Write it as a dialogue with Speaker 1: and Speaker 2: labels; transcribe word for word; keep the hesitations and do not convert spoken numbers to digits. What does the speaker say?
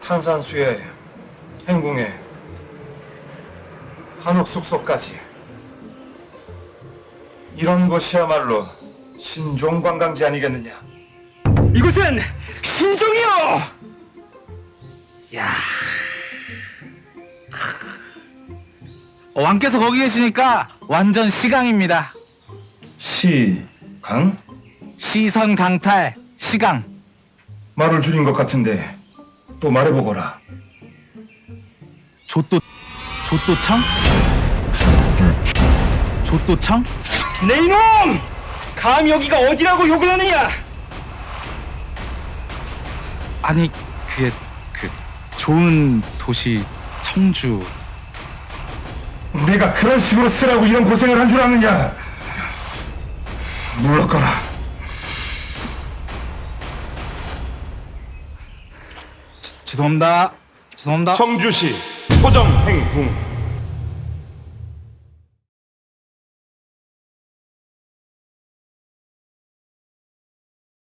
Speaker 1: 탄산수에 행궁에 한옥 숙소까지 이런 곳이야말로 신종 관광지 아니겠느냐?
Speaker 2: 이곳은 신종이요!
Speaker 3: 야, 왕께서 거기 계시니까 완전 시강입니다.
Speaker 1: 시강?
Speaker 3: 시선 강탈 시강.
Speaker 1: 말을 줄인 것 같은데 또 말해보거라.
Speaker 3: 조또 조또청? 조또청?
Speaker 2: 내 이놈! 감히 여기가 어디라고 욕을 하느냐!
Speaker 3: 아니 그게 그 좋은 도시 청주.
Speaker 1: 내가 그런 식으로 쓰라고 이런 고생을 한 줄 아느냐? 물러거라.
Speaker 3: 죄송합니다. 죄송합니다.
Speaker 1: 청주시 토정행궁